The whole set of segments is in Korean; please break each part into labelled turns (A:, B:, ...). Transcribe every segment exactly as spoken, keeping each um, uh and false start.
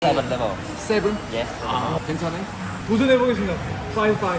A: Seven level.
B: 세븐?
A: Yes.
B: 아, 괜찮아?
C: 도전해보겠습니다. 파이 파이.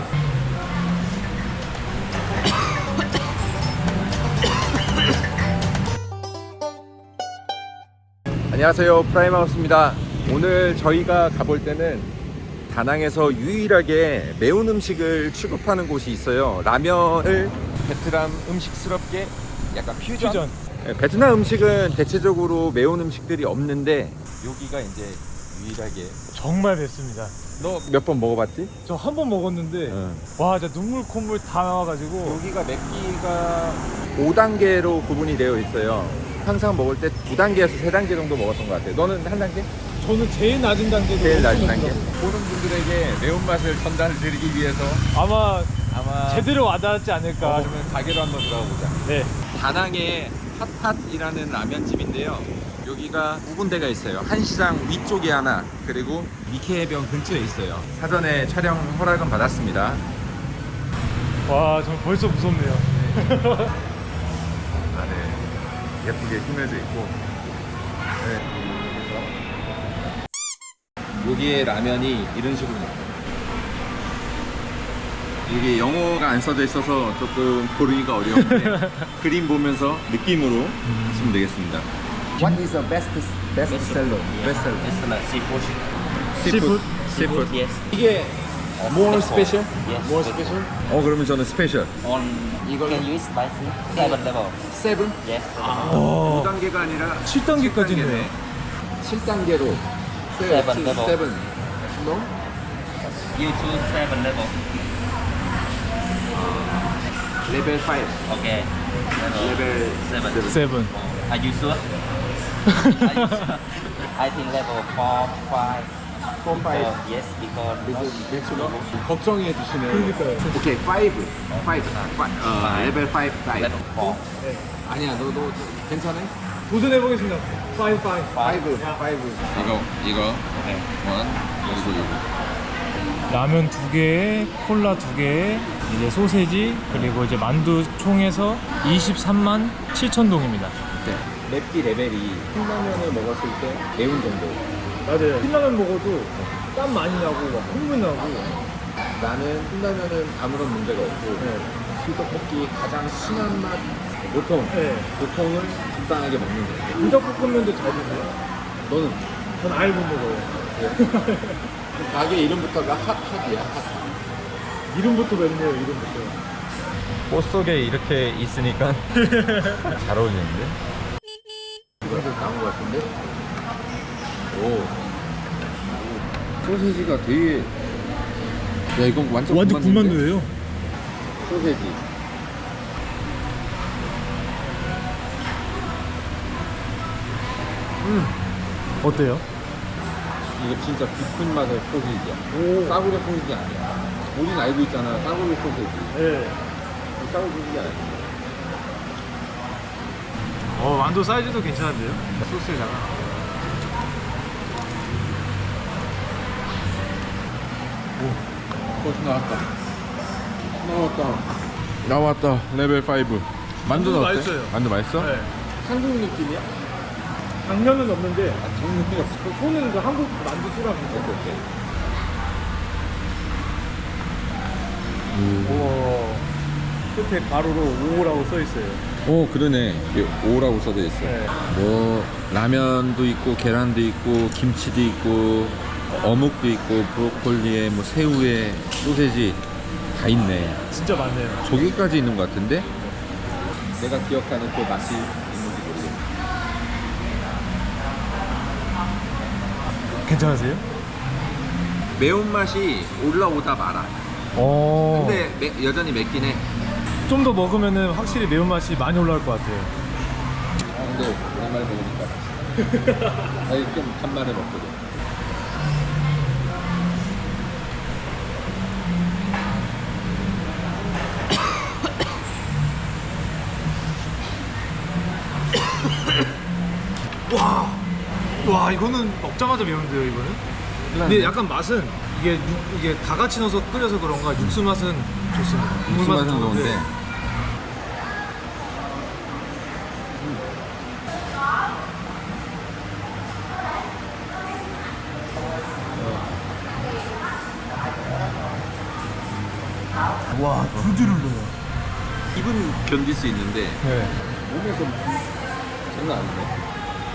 B: 안녕하세요, 프라임하우스입니다. 오늘 저희가 가볼 때는 다낭에서 유일하게 매운 음식을 취급하는 곳이 있어요. 라면을 베트남 음식스럽게 약간 퓨전?
C: 퓨전.
B: 네, 베트남 음식은 대체적으로 매운 음식들이 없는데 여기가 이제 유일하게.
C: 정말 맵습니다.
B: 너 몇 번 먹어봤지?
C: 저 한 번 먹었는데
B: 응.
C: 와 진짜 눈물 콧물 다 나와가지고.
B: 여기가 맵기가 오 단계로 구분이 되어 있어요. 항상 먹을 때 두 단계에서 세 단계 정도 먹었던 것 같아요. 너는 한 단계?
C: 저는 제일 낮은 단계로
B: 제일 낮은
C: 엄청
B: 단계.
C: 맵더라고요.
B: 보는 분들에게 매운맛을 전달드리기 위해서
C: 아마
B: 아마
C: 제대로 와닿지 않을까.
B: 어, 그러면 가게로 한번 들어가 보자.
C: 네.
B: 다낭의 핫핫이라는 라면집인데요. 여기가 두 군데가 있어요. 한시장 위쪽에 하나, 그리고 니케해변 근처에 있어요. 사전에 촬영 허락은 받았습니다.
C: 와, 저 벌써 무섭네요.
B: 안에 예쁘게 꾸며져 있고. 네. 여기에 라면이 이런 식으로 나와요. 이게 영어가 안 써져 있어서 조금 고르기가 어려운데 그림 보면서 느낌으로 하시면 되겠습니다. What is the best best seller? Best seller.
A: It's like seafood.
C: Seafood?
B: Seafood.
A: Yes.
B: 이게 more special?
A: Yes.
B: More special? 어 그러면 저는 스페셜.
A: On
B: 이걸로?
A: can you spicy? Seven level.
B: 세븐?
A: Yes.
C: 어,
B: 오 단계가 아니라
C: 칠 단계까지 있네.
B: 칠 단계로
A: Seven level.
B: 세븐. No?
A: You choose seven level.
B: 레벨 오.
A: Okay. Level
B: 레벨
A: seven.
C: 세븐.
A: Are you sure? Are you sure? I think level four, five.
B: four, five.
A: Uh, yes, because not
B: 걱정해 주시네요.
C: 그러니까요.
B: 오케이, 파이브. 파이브. 어, 레벨 오 다이.
A: level four.
C: 네.
B: 아니야, 너 너 괜찮아?
C: 도전해보겠습니다. 파이 파이.
B: 파이브. 파이브. 이거 이거
A: Okay.
B: 원 그리고 이거.
C: 라면 두 개에 콜라 두 개에 이제 소세지 그리고 이제 만두 총해서 이십삼만 칠천 동입니다.
B: 네. 맵기 레벨이 신라면을 먹었을 때 매운 정도.
C: 맞아요. 신라면 먹어도 땀 많이 나고 막 콧물 나고.
B: 나는 신라면은 아무런 문제가 없고 불떡볶이 가장 순한 맛 보통
C: 네.
B: 보통을 적당하게 먹는 거예요.
C: 불닭볶음면도 잘 드세요?
B: 너는
C: 전 아예 못 먹어요.
B: 가게 이름부터가 핫핫이야. 핫.
C: 이름부터 맵네요. 이름부터.
D: 꽃 속에 이렇게 있으니까 잘 어울리는데?
B: 이거도 나온 것 같은데? 오. 소세지가 되게. 야, 이건 완전
C: 완전
B: 군만두인데?
C: 군만두예요.
B: 소세지. 음.
C: 어때요?
B: 이거 진짜 깊은 맛의 소세지야.
C: 오.
B: 싸구려 소세지 아니야. 우린 알고 있잖아. 싸구려 소세지.
C: 네.
B: 싸구려 소세지 아니야.
C: 어, 만두 사이즈도 괜찮은데요? 소스에다가.
B: 벌써 나왔다. 나왔다. 나왔다. 레벨 오. 만두는
C: 만두
B: 어때?
C: 맛있어요.
B: 만두 맛있어?
C: 네.
B: 한국 느낌이야?
C: 당면은 없는데
B: 아, 정말 없어.
C: 그 손은 그 한국 만두 수랑 비슷해요. 우와. 끝에 가로로 오라고 써 있어요.
B: 오, 그러네. 오라고 써져 있어.
C: 네.
B: 뭐 라면도 있고 계란도 있고 김치도 있고 어묵도 있고 브로콜리에 뭐 새우에 소세지 다 있네.
C: 진짜 많네요.
B: 조개까지 있는 것 같은데? 내가 기억하는 그 맛이 있는지 모르겠네.
C: 괜찮으세요?
B: 매운맛이 올라오다 말아.
C: 어.
B: 근데 매- 여전히 맵긴 해.
C: 좀 더 먹으면은 확실히 매운맛이 많이 올라올 것 같아요.
B: 아, 근데 오랜만에 먹으니까 아니 좀 간만에 먹거든.
C: 와. 와, 이거는 먹자마자 매운데요, 이거는? 근데 약간 맛은 이게 육, 이게 다 같이 넣어서 끓여서 그런가 육수 맛은 좋습니다. 국물
B: 육수 맛은
C: 좋은데
B: 좋은데
C: 와, 줄줄 흘러요.
B: 입은 견딜 수 있는데
C: 네.
B: 몸에서 장난 아니네.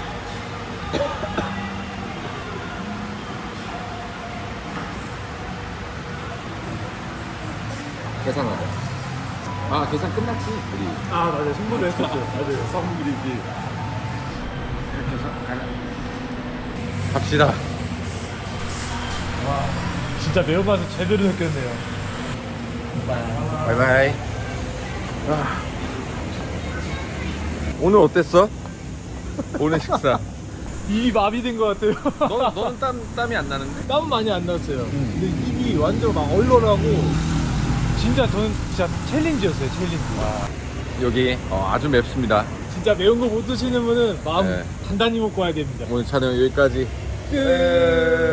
B: 계산하자. 아 계산 끝났지 우리.
C: 아, 맞아요. 선물을 했었어요. 맞아요.
B: 선물이지. 이렇게 해서 가자. 갑시다.
C: 진짜 매운맛을 제대로 느꼈네요.
B: 바이바이. 아. 오늘 어땠어? 오늘 식사.
C: 입이 마비된 것 같아요.
B: 너, 너는 땀, 땀이 안 나는데?
C: 땀은 많이 안 났어요. 근데 입이 완전 막 얼얼하고 진짜 저는 진짜 챌린지였어요. 챌린지.
B: 여기 어, 아주 맵습니다.
C: 진짜 매운 거 못 드시는 분은 마음
B: 네.
C: 단단히 먹고 와야 됩니다.
B: 오늘 촬영 여기까지 끝.